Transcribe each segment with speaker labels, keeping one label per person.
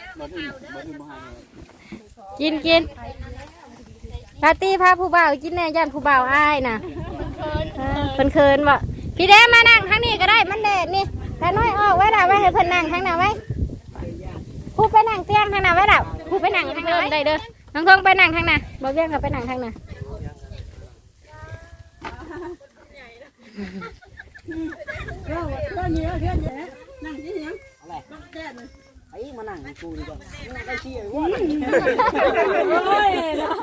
Speaker 1: กินปาร์ตี้พาผู้บ่าวกินแน่ย่านผู้บ่าวอ้ายน่ะเพิ่นเคินบ่พี่แดงมานั่งทางนี้ก็ได้มันแดดนี่แต่น้อยออกไว้ล่ะไว้ให้เพิ่นนั่งทางน่ะไว้ผู้ไปนั่งเตียงทางน่ะไว้ล่ะผู้ไปนั่งทางนั้นได้เด้อน้องทงไปนั่งทางน่ะบ่เวียงก็ไปนั่งทางน่ะ
Speaker 2: นั่งที่ยังอะไรไอ้มานั่งกูดีกว่านั่งได้ชี้ว่าโอ้ยเนาะ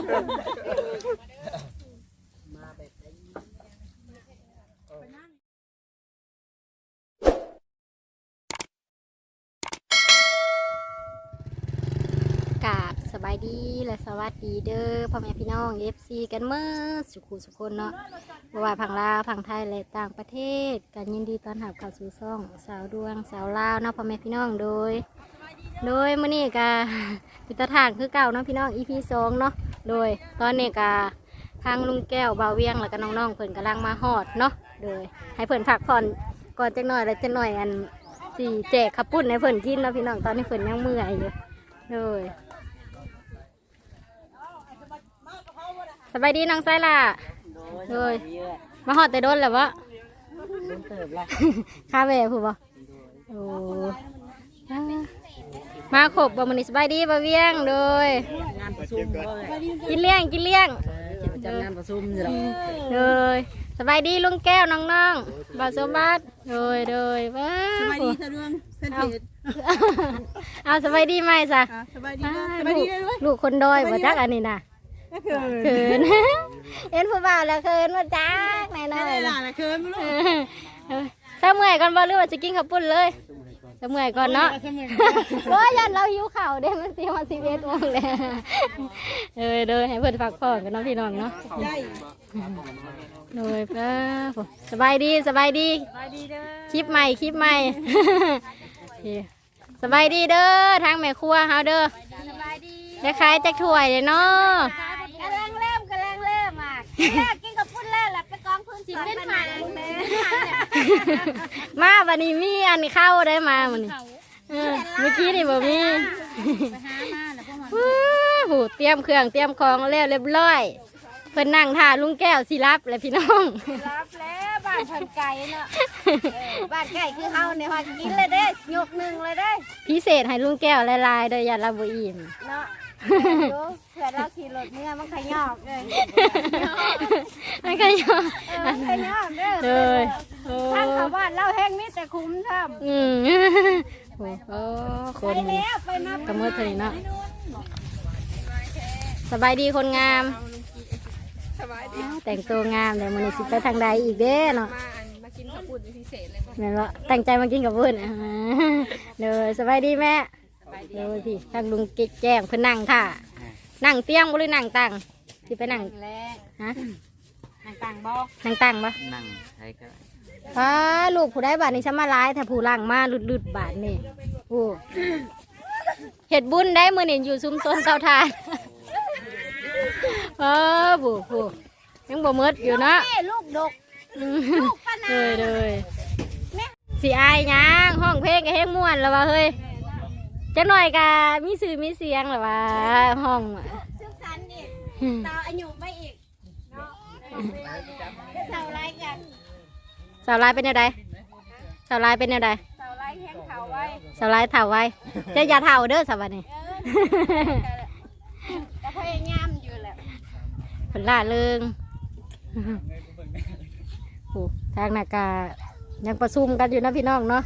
Speaker 1: กราบสบายดีและสวัสดีเด้อพ่อแม่พี่น้องFCกันเมื่อสุขคนเนาะว่าพังลาวพังไทยและต่างประเทศกันยินดีต้อนรับเข้าสู่ช่องสาวดวงสาวลาวเนาะพ่อแม่พี่น้องโดยมื้อนี้ก็พิธทางคือเก่าเนาะพี่น้อง EP 2เนาะโดยตอนนี้ก็ทางลุงแก้วบ่าวเวียงแล้วก็น้องๆเพิ่นกำลังมาฮอดเนาะโดยให้เพิ่นพักผ่อนก่อนจักหน่อยแล้วจักหน่อยอันสิแจกข้าวปุ้นให้เพิ่นกินเนาะพี่น้องตอนนี้เพิ่นยังเมื่อยอยู่โดยสบายดีน้องไซล่ะโดยมาฮอดแต่โดนแล้ววะข้าแหวผู้บ่โอ้มาขบบ่มื้อนี้สบายดีบ่เวียงโดย
Speaker 2: งานประชุม
Speaker 1: กินเลี้ยง
Speaker 2: จัดงานประชุมนี่หรอ
Speaker 1: โดยสบายดีลุงแก้วน้องๆบ่าวสมบัติโดยว้า
Speaker 2: สบายดีสะดวงเส้นผิด
Speaker 1: เอาสบายดีไหมซะ
Speaker 2: สบายดีด้วย
Speaker 1: ลูกคนดอยบ่จักอันนี้น่ะเขินเอ็นผู้บ่าวแล้วเขินมาจักแน่นอน
Speaker 2: ได้ล่ะเขินไม่รู้
Speaker 1: ถ้าเมื่อยก่อนบ่หรือว่าจะกินข้าวปุ้นเลยถ้าเมื่อยก่อนเนาะโอ้ยยันเราหิวข้าวเด้มันสิมา11 โมงแล้วเด้อให้เพิ่นพักผ่อนกันเนาะพี่น้องเนาะโดยป้าสบายดีเด้อคลิปใหม่สบายดีเด้อทางแม่ครัวเฮาเด้อสบายดีได้ขายจักถ้วยเลยเนาะ
Speaker 3: กำลังเริ่มอ่ะกินกับพุ่นเล่นแหละไปกองพื้นสิบเป็นหมัน
Speaker 1: มาวันนี้มีอันเข้าได้มาวันนี้เมื่อกี้นี่บ่มีหูเตรียมเครื่องเตรียมของแล้วเรียบร้อยเพิ่นนั่งท่าลุงแก้วสิรับเลยพี่น้อง
Speaker 3: รับแล้วบ้านพันไก่เนาะบ้านไก่คือเฮาเนี่ยฮอกินเลยเด้ยกหนึ่งเลยเด้
Speaker 1: พิเศษให้ลุงแก้วลายๆโดยอย่าละบ่อิ่ม
Speaker 3: เนาะเผื่อเราขี่รถเมื่อมันขยอกเลย
Speaker 1: มันขยอก
Speaker 3: เลยทางชาวบ้านเล่าแห้งนี่แต่คุ้มทำ
Speaker 1: โอ้คนกระมือเถอะเนาะสบายดีคนงามแต่งตัวงามแต่มันสิไปทางใดอีกเด้เนาะ
Speaker 3: มากินข้าวปุ้นพิเศษเลย
Speaker 1: แม่ว่าตั้งใจมากินกับเพื่อนเลยสบายดีแม่เลยพี่ทางลุงแจ้งเพื่อนนั่งค่ะนั่งเตียงบ่หรือนั่งตังที่ไปนั่งฮะ
Speaker 3: นั่งตังบ่
Speaker 1: นั่งตังบ่
Speaker 2: นั่งใช่ก็
Speaker 1: ป้าลูกผู้ได้บาทนี่ฉันมาร้ายแต่ผู้ล่างมาลุดบาทนี่โอ้เห็ดบุญได้มือนี่อยู่ซุ้มต้นเตาถ่านผู้ยังบ่มืดอยู่เนาะ
Speaker 3: ลูกดก
Speaker 1: เลยสีอายยังห้องเพลงกับเพลงม่วนแล้ววะเฮ้ยจังหน่อยกะมีสื่อมีเสียงหรอวะห้อง
Speaker 3: ซึ่งสันนี่ต่ออายุไปอีกเนาะสาวไล่กัน
Speaker 1: สาวไล่เป็นยังไงสาวไล่เป็นยังไง
Speaker 3: สาวไล่แห้งเถาไว้
Speaker 1: สาวไล่เถาไว้จะอย่าเถาเด้อสาวนี่
Speaker 3: ก็พยายามอยู่แหละ
Speaker 1: ผลล่าเริงทางนากายังประชุมกันอยู่นะพี่น้องเนาะ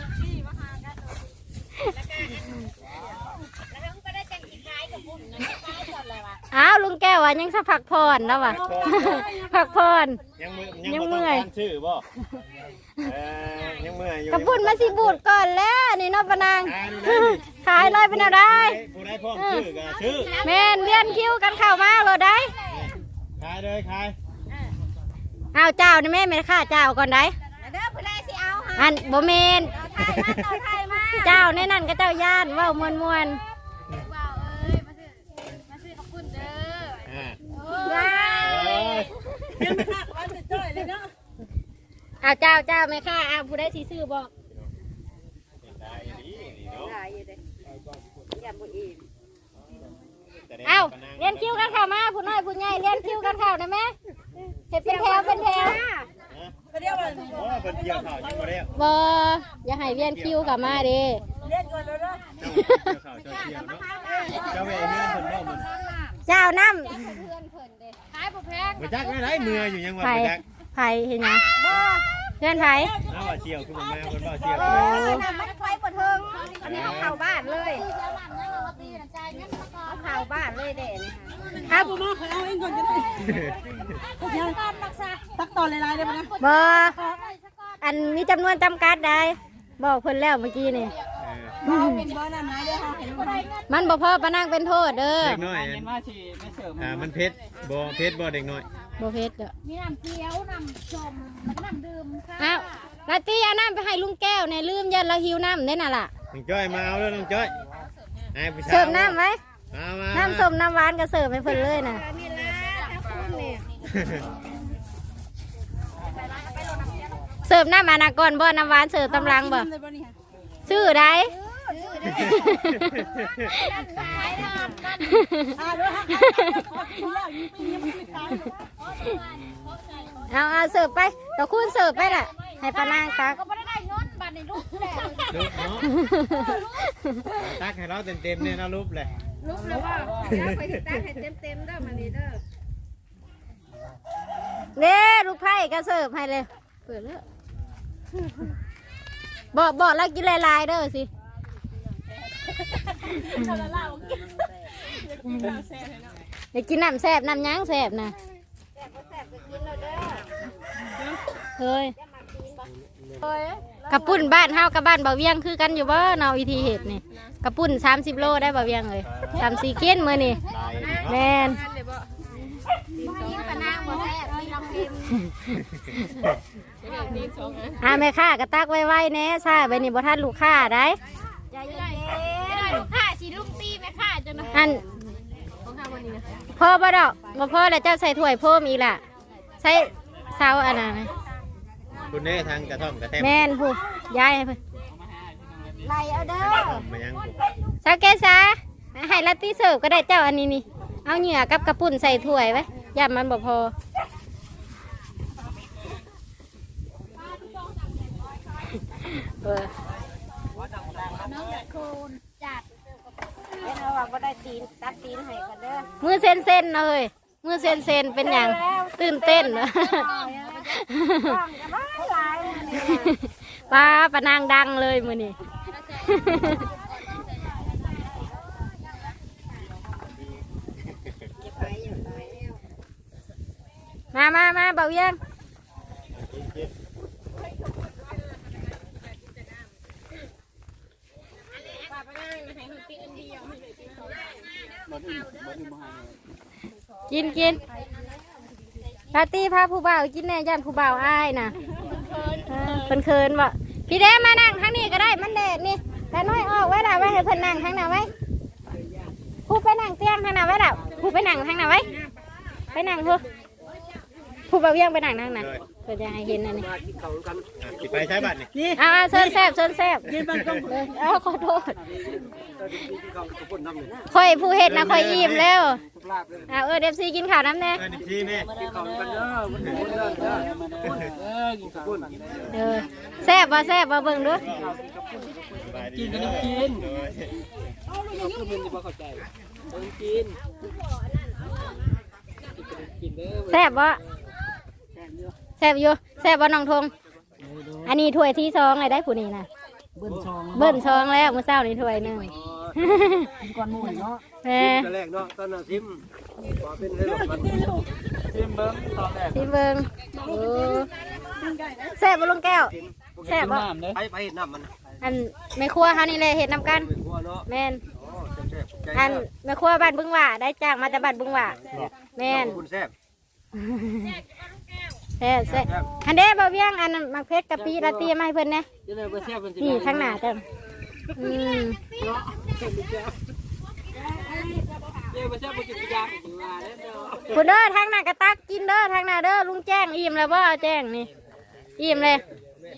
Speaker 1: อ้าวลุงแก้วว่ายังสักพักผ่อนแล้ววะพักผ่อน
Speaker 4: ยังเมื่อยชื่อบ่ยังเมื่อยอยู่
Speaker 1: กระปุ่นมาสิบูดก่อนแล้วนี่นอปนางขายเลยเป็นอะไร
Speaker 4: ผู้ได้พ่อชื่อก็ชื่อ
Speaker 1: แม่นเวียนคิวกันเข้ามาเลยได้
Speaker 4: ขายเลยขาย
Speaker 1: เอาเจ้านี่แม่ไม่ค่าเจ้าก่อนได้อันโบเมนเจ้าในนั่นก็เจ้าย่านว่ามวนเอาเจ้าไม่ค่าเอาผู้ได้ซื้อบอกเอ้าเรียนคิวกันเข้ามาผู้น้อยผู้ใหญ่เรียนคิวกันเข้าได้ไหมเห็ดเป็นแถวเป็นแถว
Speaker 4: โอ้เป็นเกี่ยวข่าวยังบ่ได้
Speaker 1: บ่อย่าให้เรียนคิวกลับมาเด้
Speaker 4: เกี่ยวข่าวเจ้าเกี่ยวเนาะเจ้าแม่เฮือนเพิ่นบ่มัน
Speaker 1: เจ้าน้
Speaker 3: ขายบ่แพง
Speaker 4: บ่จักได้เมื่ออยู่ยัง
Speaker 1: ำ
Speaker 4: ว่า
Speaker 1: ไผ่
Speaker 4: บ่จัก
Speaker 1: ไผ่เห็นยังเพื่อนไผ่
Speaker 4: เอาว่าเสี่ยวคือบ่มาเพิ่นบ่เสี่ยว
Speaker 3: มันไฟบ่เทิงอันนี้เอาเข้าบ้านเลยเอาเข้าบ้านเลยเด่น
Speaker 1: ครับ
Speaker 2: มาขอเอาเองก่อนจะได้ตักตอนลายๆได้ไหมนะ
Speaker 1: บ่อันมีจำนวนจำกัดได้บอกเพิ่นแล้วเมื่อกี้นี่
Speaker 2: เป็นบ่อน้ำน้ำด้วยค่ะเห็นไหม
Speaker 1: มันบ่พอปะนั่งเป็นโทษเด้อ
Speaker 4: เด็กน้อยมันเผ็ดบ่เด็กน้อย
Speaker 1: บ่เพชรเด้อ
Speaker 3: มีน้ำเกี๊ยวน้ำชมแล้วก็น้ำดื่มค่ะ
Speaker 1: อ้าวลาตี้เอาน้ำไปให้ลุงแก้วเนี่ยลืมยันเราหิวน้ำเด้น่ะล่ะ
Speaker 4: น้องจ้อยมาเอาแล้วน้องจ้อยให้ผู้ชาย
Speaker 1: เสิร์ฟน้ำไว้
Speaker 4: มา
Speaker 1: น้ำส้มน้ำหวานก็เสิร์ฟให้เพิ่นเลยน่ะ
Speaker 3: นี่แหละถ้าคุณเนี่ย
Speaker 1: เสิร์ฟน้ำอนาก่อนบ่น้ำหวานเสิร์ฟตำลังบ่
Speaker 2: เลยบ่นี่ค่ะ
Speaker 1: ชื่อใด
Speaker 2: ด้วยค่ะแล้วยิ่งปีนี้มันไม่ตาย
Speaker 1: เอาเสิร์ฟไปตะคุณเสิร์ฟไปน่ะให้ปะนางตัก
Speaker 3: ก็ไม่ได้เงินบัตรในลูกแหละ
Speaker 4: ลุกเนาะตักให้เราเต็มๆเนี่ยเรารูปเลย
Speaker 3: ลูกแล้วว่าเดี๋ยวไปติดตั้งให้เต็มๆเด้อมันนี่เด้อ
Speaker 1: เด้ลูกไผ่ก็เสิร์ฟให้เลยเปิดแล้วบอกแล้วกินลายๆเด้อสิอยากกินน้ำแซ่บน้ำยั้งแซ่บนะเฮ้ยกระปุ่นบ้านเฮากับบ้านบ่าวเวียงคือกันอยู่บ่เนาะวิธีเห็ดนี่กระปุ่น30 โลได้บ่าวเวียงเลย3-4 กินมื้อนี่แม่น
Speaker 3: กินปะนางบ่แซ่บมีลำพิม
Speaker 1: แม่ค้าก็ตักไว้ๆแน่ซ่าไปนี่บ่ทันลูกค้าได้
Speaker 3: ใจเย็นๆลูกค้าสิลุงตีแม่ค้าจน
Speaker 1: อันพอบ่ดอกบ่พอแล้วเจ้าใส่ถ้วยเพิ่มอีกล่ะใส่เซาอันนั้นนะ
Speaker 4: คุณเน่ทางกระท่อมกระแทม
Speaker 1: แม่นผู้ย้ายให้เพิ่น
Speaker 3: ไล่เอาเด้อ
Speaker 4: มายัง
Speaker 1: สาเกซาให้ลัตตี้เสิร์ฟก็ได้เจ้าอันนี้นี่เอาเหงื่อกับกระปุ่นใส่ถ้วยไว้ย่ามันบ่พอเออ
Speaker 3: น้องโคนจัดเห็นว่าบ่ได้ตีนตัดตีนให้กันเด้อ
Speaker 1: มือเส้นๆเลยมือเส้นๆเป็นอย่างตื่นเต้นเหรอ
Speaker 3: ต้องจะมาหลายนี่
Speaker 1: ป้าปะนางดังเลยมือนี่ มาเบาเยี่ยงกินปาร์ตี้พาผู้บ่าวกินแน่ยันผู้บ่าวอายน่ะเพิ่นเคินบ่พี่แดงมานั่งข้างนี้ก็ได้มันแดดนี่แต่น้อยออกไว้ล่ะไว้ให้เพิ่นนั่งข้างหน้าไว้ผู้ไปนั่งเตียงข้างหน้าไว้ล่ะผู้ไปนั่งข้างหน้าไว้ไปนั่งผู้บ่าวเยี่ยงไปนั่งนั่งนะเพื่อจะให้เห็นอันนี้
Speaker 4: สิไปใช้บัตรนี่
Speaker 1: เอาเชิญแซ่บ
Speaker 2: กินบ้านกอง
Speaker 1: เอาขอโทษค่อยผู้เฮ็ดนะค่อยอิ่มแล้วเดฟซีกินข้าวน้ำแน่
Speaker 4: ดิพี่แม่
Speaker 1: แซ่บบ่เบิ่งดู
Speaker 4: กินกันกิน
Speaker 1: แซ่บบ่แซ่บบ่น้องทงอันนี้ถ้วยที่2เลยได้ผู้นี้นะเบิ้ลซองแล้วมื้อเช้านี่ถ้วยนึง
Speaker 2: ก่อนหมู่เนาะ
Speaker 1: แม่
Speaker 5: แรกเนาะตอนน่ะซิมว่าเป็นให้หลบมันซิมเบิ้งตอนแรก
Speaker 1: สิเบิ่งโอ้แซ่บบ่ลุงแก้วแซ่บบ่
Speaker 5: ไปเห็ดน้ำมัน
Speaker 1: อันแม่ครัวเฮานี่แหละเฮ็ดนํกัน
Speaker 5: เป็นหัวเนาะ
Speaker 1: แม่น
Speaker 5: อ๋อแซ่บๆใจ
Speaker 1: อันแม่ครัวบ้านบึงหว่าได้จ้างมาจากบ้านบึงหว่าแม่น
Speaker 5: คุณแซ่บ
Speaker 1: แซ่บอันเด้บ่เวียงอันมักเพชรกะปิลาตีมาให้เพิ่นแหน่
Speaker 5: จะได้บ่แซ่บเป็นสิ
Speaker 1: นี่ข้างหน้าเต็ม
Speaker 5: เด้บ่แซ่บบ่กินยากินมาเด้อ
Speaker 1: คุณเด้อทางหน้ากระตักกินเด้อทางหน้าเด้อลุงแจ้งอิ่มแล้วบ่แจ้งนี่อิ่มเลย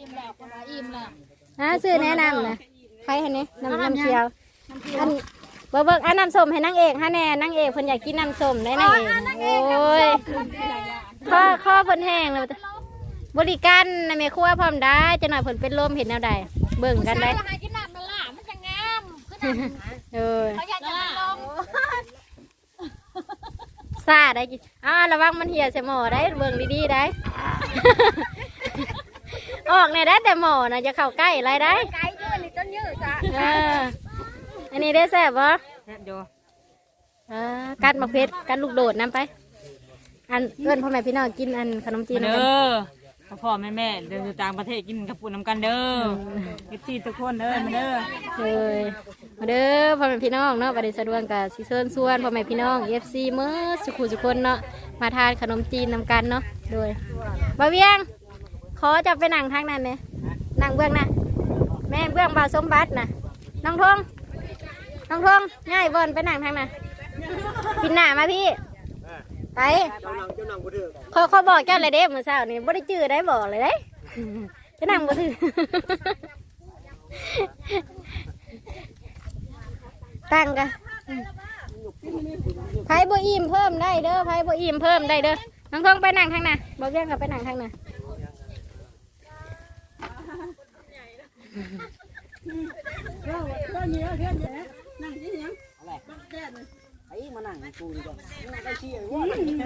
Speaker 1: อิ่มแล้วซื้อแนะนำนะใครเห็นนี่น้ำเชียวอันบ่เบิ่งอันน้ำส้มให้นางเอกฮะแน่นางเอกเพิ่นอยากกินน้ำส้มได้นางเอกโอ้ยข้อเพิ่นแห้งเลยบริการในแม่ครัวพร้อมได้จะหน่อยเพิ่นเป็นลมเห็นแนวใดเบิ่งกันได้
Speaker 3: หากินน้ำมันล่ะมันจะงามคือน้ำ
Speaker 1: เออ
Speaker 3: เขาอยากจะลอง
Speaker 1: ซาได้กินระวังมันเหี่ยวใส่หม้อได้เบิ่งดีๆได้ ออกเนี่ยได้แต่หม้อนะจะเข้าใกล้อะไรได้
Speaker 3: ไก่ยืดนี่ต้นยืดจ้ะ
Speaker 1: อันนี้ได้แซ่บปะ
Speaker 2: แซ่บอยู่
Speaker 1: กัดมะเพชรกัดลูกโดดน้ำไปอันเอิ้นพ่อแม่พี่น้องกินอันขนมจีน
Speaker 2: เด้
Speaker 1: กัน
Speaker 2: อพ่อแม่เดินต่างประเทศกินกับปุ่นน้ำกันเด้อกินทุกคนเด้อมาเด้อ
Speaker 1: เลยมาเด้อพ่อแม่พี่น้องเนาะบัดนี้สะดวกกับซิเซินส่วนพ่อแม่พี่น้อง FC เมื่อสุขุสุคนเนาะมาทานขนมจีนนำกันเนาะโดยบ่าวเวียงขอจะไปนั่งทางนั้นเนี่ยนั่งเบื้องนะแม่เบื้องบ่าวสมบัตินะน้องทงง่ายบอนไปนั่งทางนั้นกินหน้ามาพี่ไปเขาบอกเจ้าเลยเด้เมื่อเช้านี่บ่ได้จื้อได้บอกเลยเด้จะนั่งบ่ถือ ตั้งกันไผ่บ่อิ่มเพิ่มได้เด้อไผ่บ่อิ่มเพิ่มได้เด้อน้องทองไปนั่งทางน่ะบอกเรื่องกับไปนั่งทางน่ะ
Speaker 2: ไอ้มานั่งกูดีกว่านั่งได้เชี่ยวว่า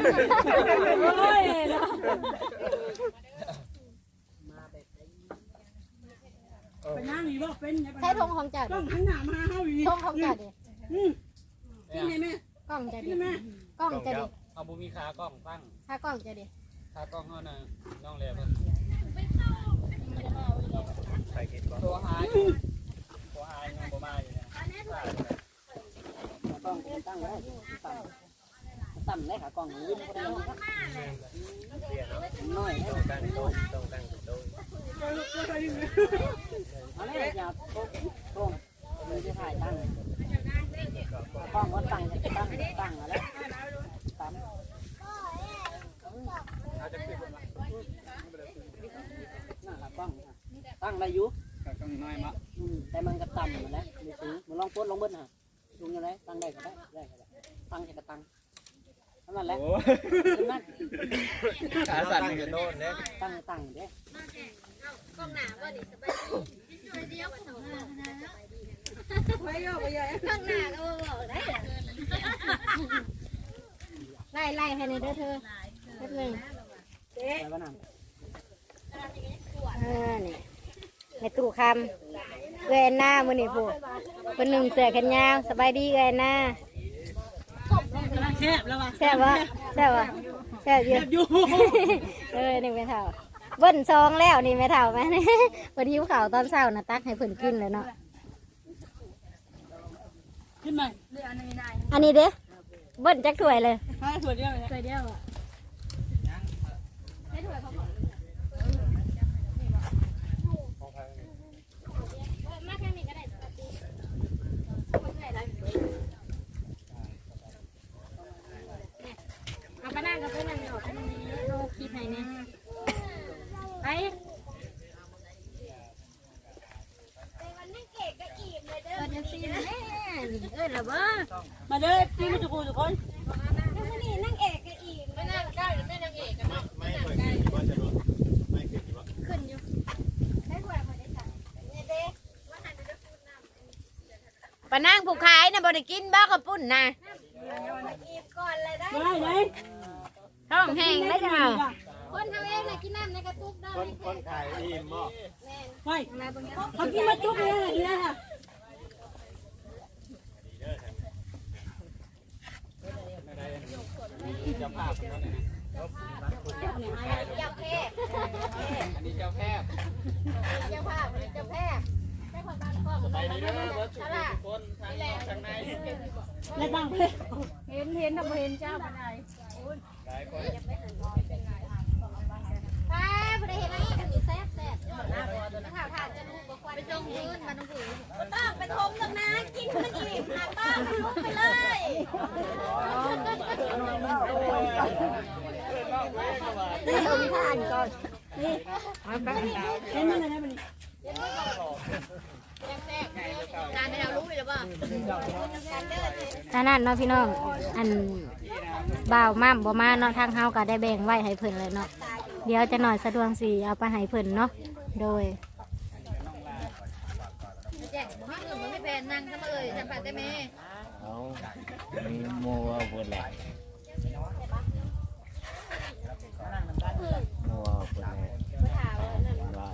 Speaker 2: ไปนั่งอีกบ่เป็น
Speaker 1: ใช้ธงของจัด
Speaker 2: ต้องหันหน้ามาเฮาอีก
Speaker 1: ธงของจัดดิ
Speaker 2: นี่แม่
Speaker 1: กล้องจัดดิกล้องจัดดิ
Speaker 5: เอาบุมีขากล้องตั้ง
Speaker 1: ถ้ากล้องจัดดิ
Speaker 5: ขากล้องเขาน่ะน้องเลี้ยง
Speaker 4: ใส่กินก่อน
Speaker 5: ตัวหายยังบ่มาอยู่เนี่ย
Speaker 2: ต้องตั้งไว้ตั้งได้ขากล้องยืนก็ได้น้อย
Speaker 4: ต้องตั้งโต๊ะ
Speaker 2: เอาเลยอย่าตรงเลยจะถ่ายตั้งกล้องก็ตั้งแล้วตั้งน่าละกล้องตั้งได้อยู่
Speaker 5: ขากล้องน้อยมา
Speaker 2: แต่มันก็ต่ำเหมือนนะดูสูงมันลองโพสลองเบิ้ลฮะสูงยังไงตั้งได้ก็ได้ตั้งแค่ก็ตั้งนั่นแหละนั่น
Speaker 5: ขาสั่นอยู่โน่นเนี่ย
Speaker 2: ตั้งเด้
Speaker 3: กล้องหนาว่านี่สบายดีเดียวมาส่งไปโยกไปโยกข้างหน้าก็บอกได้
Speaker 1: ไล่ให้ในเด้อเธอแป๊บนึง
Speaker 2: ไปบ้านน้ำ
Speaker 1: นี่ในตู้คำเอื้อยหน้ามือนี่ผู้คนหนึ่งเสือแขนยาวสบายดีเอื้อยหน้า
Speaker 2: แซ่บแล้ววะ
Speaker 1: แซ่บวะแซ่บอยู่ นี่ไม่เท่าเบิ้ลซองแล้วนี่ไม่เท่าไหมเพิ่นหิวข้าวตอนเช้านะตักให้เพิ่นกินเลยเนาะ
Speaker 2: ขึ้นมา
Speaker 1: อันนี้เด้เบิ้ลจักถ้วยเลย
Speaker 2: ถ้าถั่วเดียวเลย
Speaker 1: ถ้วยเดียวอ่ะเอาไปนั่งกับไปนั่งออกโลคิดให้เนี่ยไป ละบ่
Speaker 2: มาเด้อพี่มาจุกุทุกคน
Speaker 3: นี่นั่งเอกกันอีกไม่น่าได้หรือไม่นั่งเอกกันเนาะ
Speaker 4: ไม่เคยกินว่าจะรู้ไม่เคยกินว่า
Speaker 3: ขึ้นอยู่ได้ถ้วยพอได้สั่งเนี่ยเด้ว่าหันจะพูดน้ำ
Speaker 1: ปะนั่งผู้ขายนะบ่ได้กินบ้ากับปุ่นนะ
Speaker 3: อีบก่อนเลยได้
Speaker 2: ได้เลย
Speaker 1: ท้องแห้งได้จังเอา
Speaker 3: คนทำเองนะกินน้ำในกระตุกได้
Speaker 4: คนขายอิ่มบ่
Speaker 2: ไปเขากินมาจุกเลยนะค่ะ
Speaker 5: เจ้าภาพนั่นน่ะ
Speaker 3: เจ้าแพทย์
Speaker 5: อันนี้เจ้าแพทย์
Speaker 3: เจ้าภาพเจ้าแพทย์ได้คนบ้านพ่อ
Speaker 5: ไปดีเด้อรถทุกคนทางนอกทางใน
Speaker 2: แล้วตั้งเลย
Speaker 1: เห็นแต่บ่เห็นเจ้าปานใด
Speaker 5: หลายคน
Speaker 3: ป้าผู้ใดเห็นอะไรกันอยู่แซ่บแซ่บข่าวทานจะรู้บอกว่าไปจงพื้นมาต้องผืนต้องไปทมตรงนั้นกินมันอีกหาป้ามันลุกไปเลย
Speaker 1: เอาทานก่อน
Speaker 2: เห็นมันอะไรมัน
Speaker 3: การให้เรารู้เลยหรือเปล่า
Speaker 1: อันนั้นเนาะพี่น้องอันบ่าวม่ำบ่มาเนาะทางเฮาก็ได้แบ่งไว้ให้เพิ่นเลยเนาะเดี๋ยวจะหน่อยสะดวกสิเอาไปให้เพิ่นเนาะโดย
Speaker 3: แจกไม่เงินมันไม่แพงนั่งทำไมจำปาได้ไหม
Speaker 4: เอามีโมว่าเพิ่นแหละโมว่าเพิ่นแหละว่า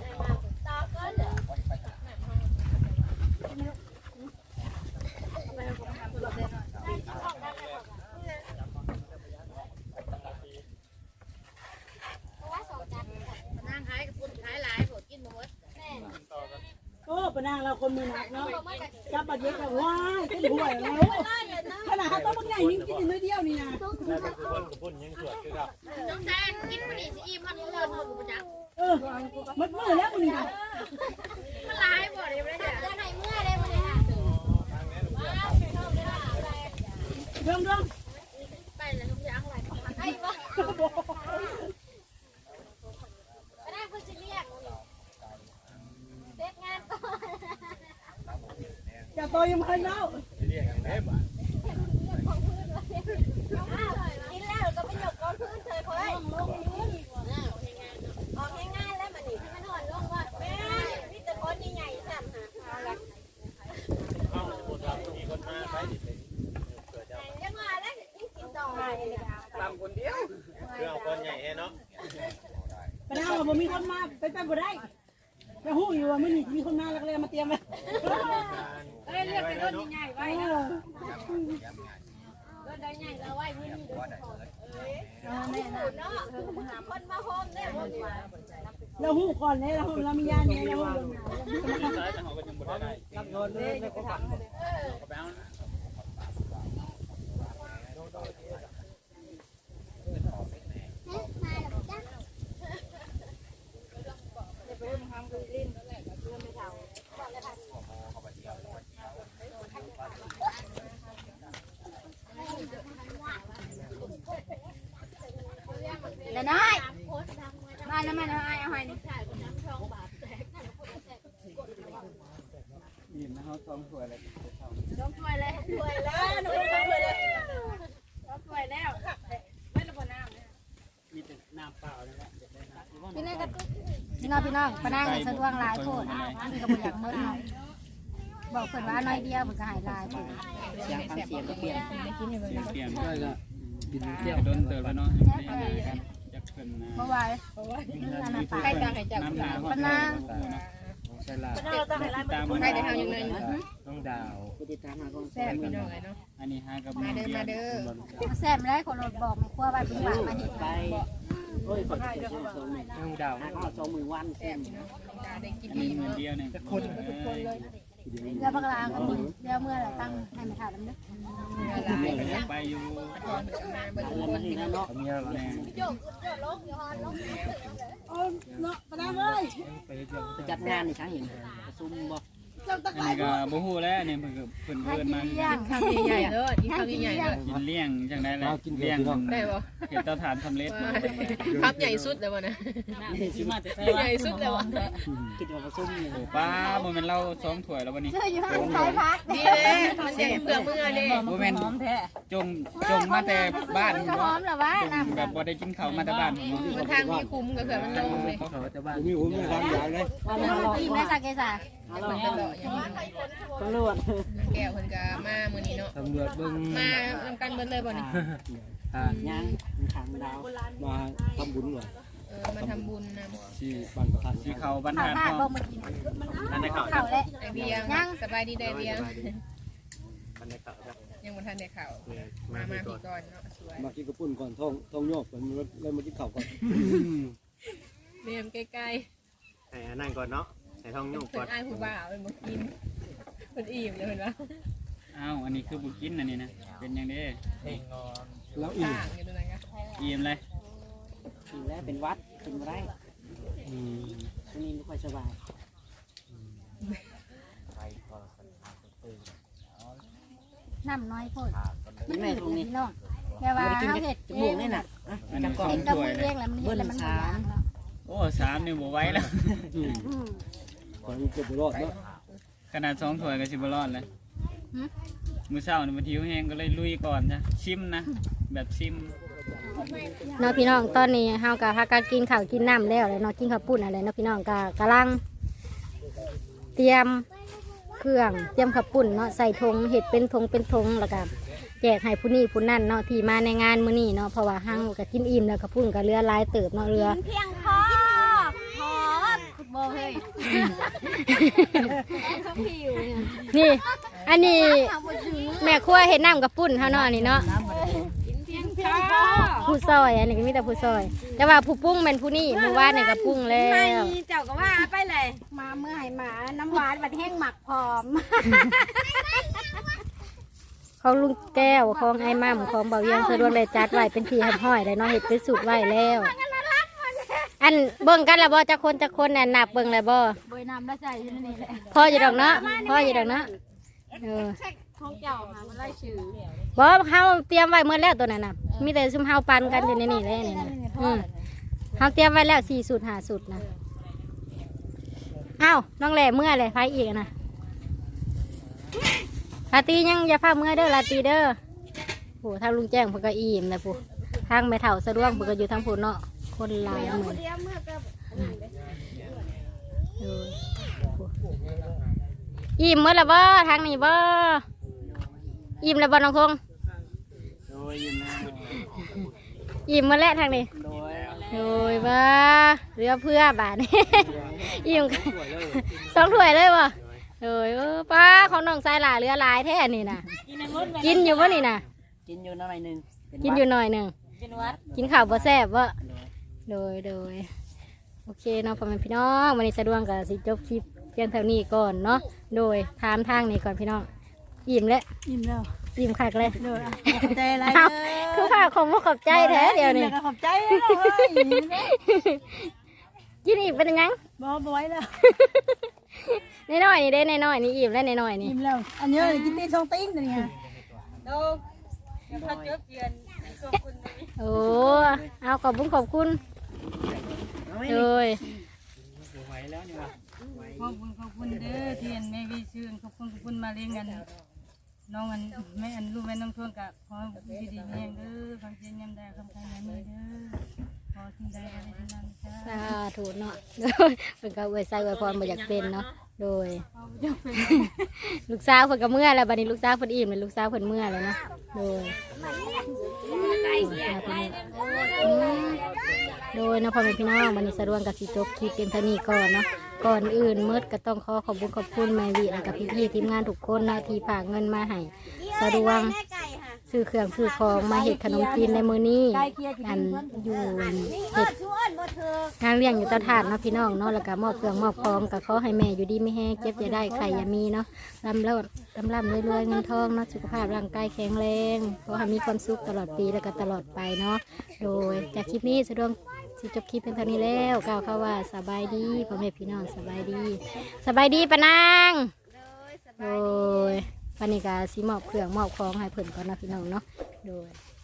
Speaker 3: นั่งขายกับคุณขายหลายผมกินหมด
Speaker 2: โอ้ปนางเราคนมือหนักเนาะจับบัดเย็ดแล้วว้ายเป็นห่วยแล้วขนาดเขาต้องบางอย่างยิ่งกินน้อยเดียวนี่นะ
Speaker 4: แล้วก็คือเพิ่นยังสวดคือกับ
Speaker 3: น้องแซนกินมันนี่สิอิ่มมันเลิศหมดกูจัก
Speaker 2: มันมือแล้วมึงนี่นะ
Speaker 3: มันหลายบ่ได้ไม่ได้จะไหนเมื่อได้บ่ได้ค่ะ
Speaker 2: เรื่อง
Speaker 3: ไปแล้วทุกอย่างอะไรไอ้บ่ไม่ได้เพิ่นสิเรียกเด็กงานก่อน
Speaker 2: จะต่อยยังพันแล้ว
Speaker 4: เรียกอย่างไรบ้าง
Speaker 3: กินแล้วก็ไม่หยกก้อนพื้นเคยเพิ่นลงพื้นออกง่ายๆแล้วมันนี่ที่มันนอนลงว่าแม่มีแต่คนใหญ่ๆสั่นหาเอาละ
Speaker 4: เอาคนเรามีคนมาไปดิเกิดจะ
Speaker 3: ยังมาแล้วกินต่อ
Speaker 5: ตามคนเดียว
Speaker 4: คือเอาคนใหญ่เนาะ
Speaker 2: ปนางเราบ่มีคนมาไปบ่ได้จะหู้อยู่ว่ามื้อนี้มีคนมาแล้วก็เลยมาเตรียมไว้
Speaker 3: ก็เลยเรียกเป็นต้นใหญ่ไว้นะต้นใหญ่เราไว้ไม่มีต้นขอเนาะคนมาโฮมเนี่ย
Speaker 2: เราหู้ก่อนเลยเรามีญาณเนี่ยเราหู้
Speaker 5: รับโดนเลยไม่ก็ปักก็ไปเอา
Speaker 3: เดี๋ยวน้อยมาแล้วมาแล้วไอ้เอาให้นี่
Speaker 5: ยินนะเขาซ้อมสวยเลย
Speaker 3: ต้องช่วยเลยช่วยแล้วหนูต้องช่วยเลยต้องช่วยแล้วไม่ระเบิดน้ำ
Speaker 5: มีแต่น้ำเปล่าเลยนะเดี๋ยวได้น้ำ
Speaker 1: พี่น้องปะนางให้สะดวกหลายโพดพี่ก็บ่อยากหมดเนาะบอกเพิ่นว่าน้อยเดียวเพิ่นก็ให้หลายโพด
Speaker 2: เสียงฟังเสียงก็เปลี่ยน
Speaker 5: เปลี่ยนด้วยก็บินเที่ยวโดนเติร์แล้วเนาะกันจะขึ้นนะ
Speaker 1: เมื่อวานนั่นน่ะปะ
Speaker 5: น้ำหนา
Speaker 1: ปะนาง
Speaker 5: ใช่ละตามมันได้ทำยังไงต้องดาว
Speaker 1: แซ่บพี่น้อง
Speaker 5: อันนี้ฮะกับมาเด้อ
Speaker 1: แซ่บได้คนรถบอกไม่กลัวว่าเป็นหวานมาเฮ็ดไป
Speaker 5: ต้องดาวอันนี้มือเดียวเนี่ยคน
Speaker 1: เรือบักลาก็มีเรือเมื่อไรตั้งให้มาถามน้ำนึก
Speaker 5: ไปอยู่มีแรง
Speaker 2: เนาะปนางเอ้ย
Speaker 6: จัดงานในช้างเห็นประชุมบอก
Speaker 2: เจ้าตะ
Speaker 5: อัน
Speaker 2: ไคร้
Speaker 5: นี้ก็บ่ฮู้แล้วเนี่ยเพิ่นเพิ่นมา
Speaker 1: เลี้ยง
Speaker 7: ข้าวใหญ่ๆเด้อที่ข้าวใหญ่ๆเด้อ
Speaker 5: กินเลี้ยงจังได้เลยเลี้ยง
Speaker 7: ได้บ่
Speaker 5: เห็ดเตาถ่านสำเร็จ
Speaker 7: ครับใหญ่สุดเลยวะนะใหญ่สุดเลยวะ
Speaker 6: กินมาประชุมเลย
Speaker 5: โอ้ป้าบ่แม่นเรา2ถ้วยแล้ววันนี้
Speaker 1: เชื่ออยู่ห้างขายพัก
Speaker 7: ดีเลยมันยังเปลือกมือเลย
Speaker 5: บ่แม่นจงมาแต่บ้าน
Speaker 1: ก็หอมหรอวะ
Speaker 5: จงแบบบ่ได้กินข้าวมาแต่บ้าน
Speaker 7: มันทางมีคุ้มก็คือมันลงเลย
Speaker 5: มีผมมีความอยากเลย
Speaker 1: กินได้สักแกซ่า
Speaker 6: ตำรวจ
Speaker 7: แก้วคนก็มามื้อนี้เนาะ
Speaker 5: ตำรวจเบิ่ง
Speaker 7: มานำกันเบิดเลยบ่นี่
Speaker 6: ยังขังดาว
Speaker 5: มาทำบุญว่ะ
Speaker 7: มาทำบุญน
Speaker 5: ที่บ้านประทัดที่เขาบ้าน
Speaker 1: ข้าว
Speaker 5: หาด
Speaker 1: ผ้า
Speaker 5: พ่อ
Speaker 1: บ่มากิน
Speaker 4: อันนี้เขา
Speaker 1: ข้าวและ
Speaker 7: ไอเบียงสบายดีได้เบียง
Speaker 4: อันนี้เขาจะ
Speaker 7: ยังบ่ทันได้ข้าว
Speaker 4: มา
Speaker 7: มา
Speaker 4: พี่ก่อ
Speaker 7: พี่
Speaker 4: น
Speaker 7: ก่อนเนาะสวย
Speaker 8: มากินกระปุ่นก่อนท้องโยกก่อนแล้วมากินข้าวก่อน
Speaker 7: เรียมใกล้
Speaker 4: ให้นั่งก่อนเนาะให้ท้อง
Speaker 7: ๆ
Speaker 4: ยุ่ง
Speaker 7: เพิ่
Speaker 4: ก่อน
Speaker 7: นอ้ายผู้บ่าวเป็นบ่กินเพิ่นอิ่มเลยเพิ่นว่า
Speaker 5: อ้าวอันนี้คือบุกินอันนี้นะเป็นยังไง
Speaker 8: แล้วอีก
Speaker 7: ต่างอยู่ตรงนั้นก็
Speaker 5: อิ่มเลย
Speaker 6: กินแล้วเป็นวัดกินไรช่วงนี้ไม่ค่อยสบาย
Speaker 1: น้ำน้อยโพด
Speaker 6: ยังไงตรงนี้
Speaker 1: พี่น้องแค่ว่าเฮาเฮ็ด
Speaker 6: จ
Speaker 1: เอ
Speaker 6: มูก
Speaker 1: ง
Speaker 6: นี่น่ะ
Speaker 5: อันนี้
Speaker 1: เฮ็ด
Speaker 5: 2
Speaker 1: กับ
Speaker 5: ถ้ว
Speaker 1: มื
Speaker 5: ย
Speaker 1: อ
Speaker 5: เล
Speaker 1: เอย งแล้วมันเฮ็ดแล้วมันบ่ยากเนาะ
Speaker 5: โอ้3นี่บ่ไหวแล้ว
Speaker 8: ก่อนเกือบรอดเนาะ
Speaker 5: ขนาด2ถ้วยก็สิบ่รอดเลย
Speaker 1: หึ
Speaker 5: มื้อเช้านี่มันหิวแห้งก็เลยลุยก่อนจ้ะชิมนะแบบชิม
Speaker 1: เนาะพี่น้องตอนนี้เฮาก็พากันกินข้าวกินน้ำแล้วเลยเนาะกินข้าวปุ้นอะไรเนาะพี่น้องก็กำลังเตรียมเครื่องเตรียมข้าวปุ้นเนาะใส่ถุงเห็ดเป็นถุงแล้วก็แจกให้ผู้นี้ผู้นั่นเนาะที่มาในงานมื้อนี้เนาะเพราะว่าห้างก็กินอิ่มแล้วข้าวปุ้นก็เรือหลายเติบเนาะเรือ
Speaker 3: เพียงพอโบเฮ้ย
Speaker 1: นี่อันนี้แม่ครัวเห็ดน้ำกับปุ้นเฮาเนาะอันนี้เนาะผู้ซอยอันนี้ก็มีแต่ผู้ซอย แต่ว่าผู้ปรุงเป็นผู้นี่เมื่อวานนี่ก็ปรุงแล้ว
Speaker 3: เจ้าก็ว่าไปเลยมาเมื่อไหร่มาน้ำหวานบัดแห้งหมักพร้อม
Speaker 1: ของลุงแก้วของไอ้มั่มของเบาเยียงสะดวกเลยจัดไว้เป็นที่ห้อยเลยเนาะเห็ดเป็นสูตรไว้แล้ว อันเบิ่งกันแล้วบ่จะคนน่ะนับเบิ่งแล้วบ่
Speaker 3: บยน้ำละใจที่นี่แหละ
Speaker 1: พ่ออยู่ดอกเนาะพ่ออยู่ดอกเนาะ
Speaker 3: ของเจ้าหามาไล่ชื่อ
Speaker 1: บ่เฮาเตรียมไว้เมื่อแล้วตัวนั้นน่ะมีแต่ซุมเฮาปันกันอยู่ในนี่แหละนี่นะเฮาเตรียมไว้แล้ว4สูตร5สูตรนะอ้าวน้องแหล่เมื่อเลยไผอีกนะลาตียังอย่าพาเมื่อเด้อลาตีเด้อโหทางลุงแจ้งเพิ่นก็อิ่มแล้วผู้ทางแม่เฒ่าสะดวกเพิ่นก็อยู่ทางผู้เนาะคนหลายเหมือนอิ่มเมื่อละบ่ทางนี้บ่อิ่มแล้วบ่น้องคง
Speaker 5: โดยยินนะ
Speaker 1: อิ่มเมื่อแล้วทางนี้
Speaker 5: โดย
Speaker 1: โดยบ่เรือเพื่อบาทนี่ อิ่ม2 ถ้วยเลยบ่โดยป้าของน้องสายหลาเรือหลายแท้นี่น่ะกินอยู่บ่นี่น่ะ
Speaker 6: กินอยู่หน่อยหนึง
Speaker 1: กินอยู่หน่อยหนึง
Speaker 3: เป็นวัด
Speaker 1: กินข้าวบ่แซ่บบ่โดยโอเคเนาะพ่อแม่พี่น้องวันนี้สะดวกกับสิจบคลิปเพียงเท่านี้ก่อนเนาะโดยถามทางนี้ก่อนพี่น้องอิ่มแล้ว
Speaker 3: ยิ้มแล้ว
Speaker 1: อิ่มคักเลย
Speaker 3: ขอบใจอะไร
Speaker 1: เอาคือข้าวของบ่ขอบใจแท้เดียวนี่
Speaker 3: ขอบใจแล้วเฮ้ย
Speaker 1: กินอีกเป็นยัง
Speaker 3: บ่ไว้แล้ว
Speaker 1: น้อยๆนี่เด้น้อยๆนี่อิ่มแล้วน้อยๆนี่
Speaker 3: ยิ้มแล้วอันนี้กินตี2ติ้งตัวนี้
Speaker 1: โอ้เอาขอบคุณโดย
Speaker 5: ไหวแล้วนี่วะ
Speaker 2: ขอบคุณเด้อที่อันแม่วิชื่นขอบคุณมาเลี้ยงกันน้องอันแม่อันลูกแม่น้องทวงกับขอดีดีเลี้ยงเด้อคำเชียนยำได้คำใครยำนี้เด้อขอสิ่งใดอะไรทั้งนั้นจ้า
Speaker 1: สาธุเนาะโดยเพิ่นก็อวยใส่อวยพรบ่อยากเป็นเนาะโดย ลูกสาวเพิ่นก็เมื่อแล้วบัดนี้ลูกสาวเพิ่นอิ่มแล้วลูกสาวเพิ่นเมื่อแล้วเนาะโดยโดยเนาะพ่อแม่พี่น้องวันนี้สะดวกกับสิจบคลิปเพียงเท่านี้ก่อนเนาะก่อนอื่นมืดก็ต้องขอบคุณแม่วิและกับพี่ๆทีมงานทุกคนเนาะที่ฝากเงินมาให้สะดวกซื้อเครื่องซื้อของมาเฮ็ดขนมจีนในมื้อนี้อันอยู่เฮ็ดงานเลี้ยงอยู่เตาถ่านเนาะพี่น้องเนาะแล้วก็มอบเครื่องมอบของก็ขอให้แม่อยู่ดีไม่แห้งเจ็บอย่าได้ไข่อย่ามีเนาะร่ำรวยเงินทองเนาะสุขภาพร่างกายแข็งแรงขอให้มีความสุขตลอดปีแล้วก็ตลอดไปเนาะโดยจากคลิปนี้สะดวกสิจบคลิปเป็นเท่านี้แล้วกล่าวคำว่าสบายดีพ่อแม่พี่น้องสบายดีปะนางโดยวันนี้ก็สิมอบเครื่องมอบของให้เพิ่นก่อนนะพี่น้องเนาะโดย